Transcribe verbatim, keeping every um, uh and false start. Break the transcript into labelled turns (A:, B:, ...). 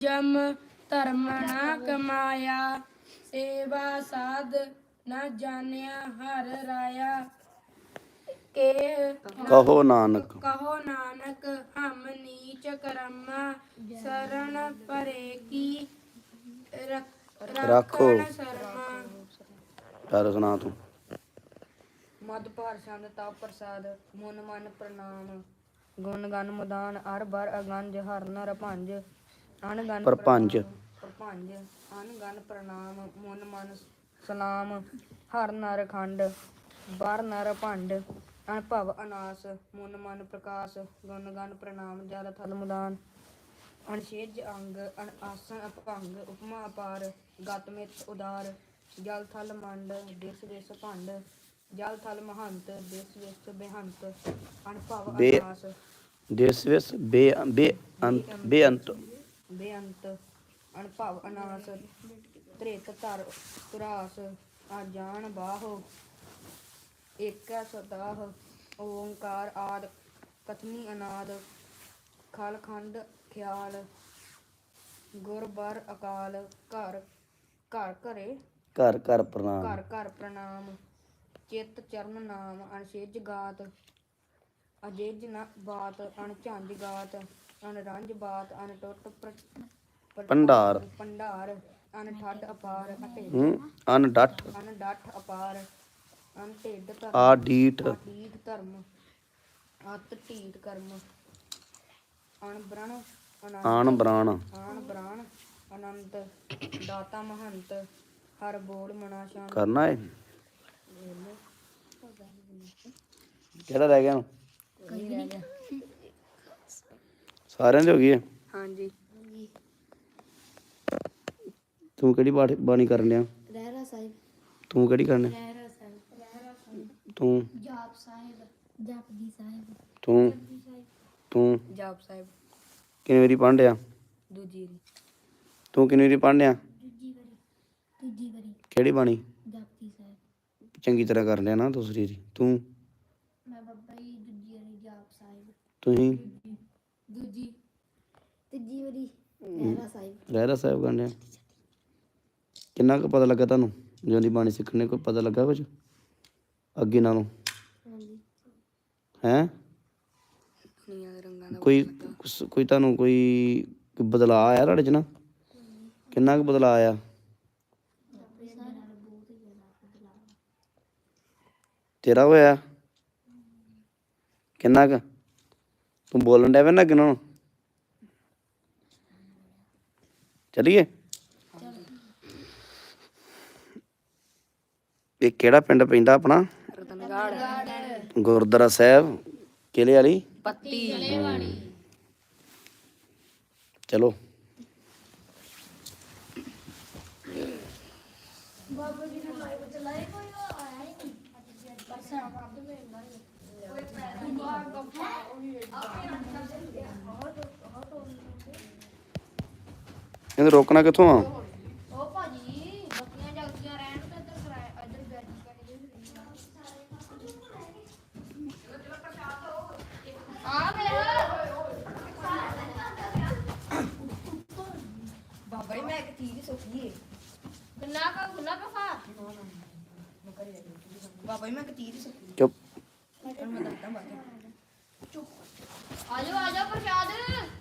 A: जम धर्म न कमाया, सेवा साध न जानिया हर राया। के
B: कहो नानक
A: कहो नानक हम नीच कर्मा, शरण परे की रख-
B: राखो।
A: राखण शर्मा।
B: ਚੱਲ ਸੁਣਾ ਤੂੰ।
C: ਮਦ ਭਾਰ ਛੰਦ ਤਪ ਪ੍ਰਸਾਦ, ਮਨ ਮਨ ਪ੍ਰਣਾਮ। ਗੁਣ ਗਨ ਮੁਦਾਨ ਅਰ ਬਰ ਅਗੰਜ, ਹਰ ਨਰ ਭੰਜ ਅਨ ਗਨ
B: ਪ੍ਰਪੰਚ।
C: ਪ੍ਰਪੰਜ ਅਨ ਗਨ ਪ੍ਰਣਾਮ। ਮਨ ਮਨ ਸਲਾਮ ਹਰ ਨਰ ਖੰਡ, ਬਰ ਨਰ ਭੰਡ ਅਨਭਵ ਅਨਾਸ। ਮਨ ਮਨ ਪ੍ਰਕਾਸ਼ ਗੁਣ ਗਨ ਪ੍ਰਣਾਮ, ਜਲ ਥਲ ਮੁਦਾਨ ਅਨਸ਼ੇਜ ਅੰਗ ਅਨ ਆਸਨ ਅਪਭੰਗ। ਉਪਮਾ ਅਪਾਰ ਗਤ ਮਿਤ ਉਦਾਰ, ਜਲ ਥਲ ਮੰਡ ਦਿਸ ਦਿਸ ਭੰਡ। ਜਲ ਥਲ ਮਹੰਤ ਦਿਸ ਦਿਸ ਬੇਹੰਤ, ਅਨਭਵ
B: ਬੇ
C: ਅਨਾਸ
B: ਦੇਸ ਵਿਸ ਬੇ ਬੇ ਅੰਤ ਬੇਅੰਤ।
C: ਬੇਅੰਤ ਅਨਭਵ ਅਨਾਸ। ਧ੍ਰਿਤ ਧਰ ਤੁਰਾਸ ਅਜਾਨ ਬਾਹੋ, ਏਕੈ ਸਦਾਹ। ਓੰਕਾਰ ਆਦ ਕਥਨੀ ਅਨਾਦ, ਖਲ ਖੰਡ ਖਿਆਲ ਗੁਰ ਬਰ ਅਕਾਲ। ਘਰ ਘਰ ਘਰੇ
B: ਘਰ ਘਰ ਪ੍ਰਣਾਮ।
C: ਘਰ ਘਰ ਪ੍ਰਣਾਮ, ਚਿਤ ਚਰਨ ਨਾਮ ਅਨਸ਼ੇਜ ਗਾਤ। ਅਜੇਜ ਨ ਬਾਤ ਅਣਝੰਜ ਗਾਤ, ਅਨਰੰਜ ਬਾਤ ਅਨਟੁੱਟ ਪ੍ਰ-
B: ਭੰਡਾਰ।
C: ਭੰਡਾਰ ਅਨਠੱਡ ਅਪਾਰ। ਅਢਿੱਡ
B: ਹੂੰ ਅਨਡੱਠ
C: ਅਨਡੱਠ ਅਪਾਰ, ਅਨਢਿੱਡ ਧਰਮ।
B: ਆਡੀਠ
C: ਆਡੀਠ ਧਰਮ, ਅਤ ਢੀਠ ਕਰਮ। ਅਣਬ੍ਰਣ ਅਨੰਤ
B: ਆਣ ਬਰਾਣ।
C: ਆਣ ਬ੍ਰਾਣ ਅਨੰਤ, ਦਾਤਾ ਮਹੰਤ ਹਰ ਬੋਲ ਮਨਾ ਸ਼ਾਂਤ।
B: ਕਰਨਾ ਏ ਕਿਹੜਾ ਰਹਿ ਗਿਆ ਹੁਣ?
C: ਕੋਈ ਰਹਿ ਗਿਆ।
B: ਸਾਰਿਆਂ ਦੀ ਹੋ ਗਈ ਹੈ।
C: ਹਾਂਜੀ।
B: ਤੂੰ ਕਿਹੜੀ ਬਾਣੀ ਬਾਣੀ ਕਰਨ ਡਿਆ?
A: ਰਹਿਰਾ ਸਾਹਿਬ।
B: ਤੂੰ ਕਿਹੜੀ ਕਰਨ ਡਿਆ?
A: ਰਹਿਰਾ ਸਾਹਿਬ। ਰਹਿਰਾ ਸਾਹਿਬ।
B: ਤੂੰ
A: ਜਾਪ ਸਾਹਿਬ। ਜਪਜੀ ਸਾਹਿਬ।
B: ਤੂੰ
A: ਜਪਜੀ ਸਾਹਿਬ।
B: ਤੂੰ
C: ਜਾਪ ਸਾਹਿਬ
B: ਕਿੰਨੀ ਵਾਰੀ ਪੜ੍ਹਨ ਡਿਆ?
C: ਦੂਜੀ ਰੀ।
B: ਤੂੰ ਕਿੰਨੀ ਵਾਰੀ ਪੜ੍ਹਨ ਡਿਆ?
A: ਦੂਜੀ ਵਾਰੀ। ਦੂਜੀ ਵਾਰੀ।
B: ਕਿਹੜੀ ਬਾਣੀ?
A: ਜਪਜੀ ਸਾਹਿਬ।
B: ਚੰਗੀ ਤਰ੍ਹਾਂ ਕਰ ਲਿਆ ਨਾ ਦੂਸਰੀ ਵਾਰੀ। ਤੂੰ
A: ਮੈਂ ਬੱਬਾ ਜੀ ਦੂਜੀ ਵਾਰੀ ਜਾਪ ਸਾਹਿਬ।
B: ਤੁਸੀਂ
A: ਦੂਜੀ ਤੀਜੀ ਵਾਰੀ ਰਹਿਰਾ ਸਾਹਿਬ।
B: ਰਹਿਰਾ ਸਾਹਿਬ ਕਰਨ ਡਿਆ। ਕਿੰਨਾ ਕੁ ਪਤਾ ਲੱਗਾ ਤੁਹਾਨੂੰ ਜਦੋਂ ਦੀ ਬਾਣੀ ਸਿੱਖਣੇ? ਕੋਈ ਪਤਾ ਲੱਗਾ ਕੁਝ ਅੱਗੇ ਨਾਲੋਂ?
A: ਹਾਂਜੀ।
B: ਹੈਂ
C: ਦੁਨੀਆਂ ਦੇ ਰੰਗਾਂ ਦਾ
B: ਕੋਈ ਕੁਸ- ਕੋਈ ਤੁਹਾਨੂੰ ਕੋਈ ਕੋਈ ਬਦਲਾਅ ਆਇਆ ਤੁਹਾਡੇ 'ਚ ਨਾ? ਕਿੰਨਾ ਕੁ ਬਦਲਾਅ ਆਇਆ? ਤੇਰਾ ਹੋਇਆ ਕਿੰਨਾ ਕੁ? ਤੂੰ ਬੋਲਣ ਡਿਆ ਪਿਆ ਨਾ ਅੱਗੇ ਨਾਲੋਂ? ਚਲੀਏ? ਇਹ ਕਿਹੜਾ ਪਿੰਡ ਪੈਂਦਾ ਆਪਣਾ?
C: ਰਤਨਗੜ੍ਹ
B: ਗੁਰਦੁਆਰਾ ਸਾਹਿਬ ਕਿਲੇ ਵਾਲੀ
C: ਪੱਤੀ।
B: ਚਲੋ।
A: ਬਾਬਾ ਜੀ ਨੇ ਲਾਈਵ ਚਲਾਏ, ਕੋਈ ਆਇਆ ਹੀ ਨਹੀਂ। ਬਸ ਆਪ ਦੇ ਨਾਲ
B: ਇਹਨੂੰ ਰੋਕਣਾ ਕਿੱਥੋਂ ਆ?
A: ਉਹ ਭਾਜੀ ਬੱਤੀਆਂ ਜਗਦੀਆਂ ਰਹਿਣ ਤੇ ਇੱਧਰ ਕਰਾਇਆ, ਇੱਧਰ ਬੈਠ ਕੇ ਆ
C: ਬਾਬਾ ਜੀ ਮੈਂ ਇੱਕ ਚੀਜ਼ ਸੋਚੀ ਏ।
A: ਗੁੱਲਾ ਕਾ ਗੁੱਲਾ ਕਾ ਫਾ
C: ਬਾਬਾ ਜੀ ਮੈਂ ਇੱਕ ਚੀਜ਼ ਸੋਚੀ।
B: ਚੁੱਪ।
C: ਮੈਂ ਦੱਸਦਾ ਬਾਅਦ ਚ।
A: ਆਜੋ ਆਜੋ ਪ੍ਰਸ਼ਾਦ।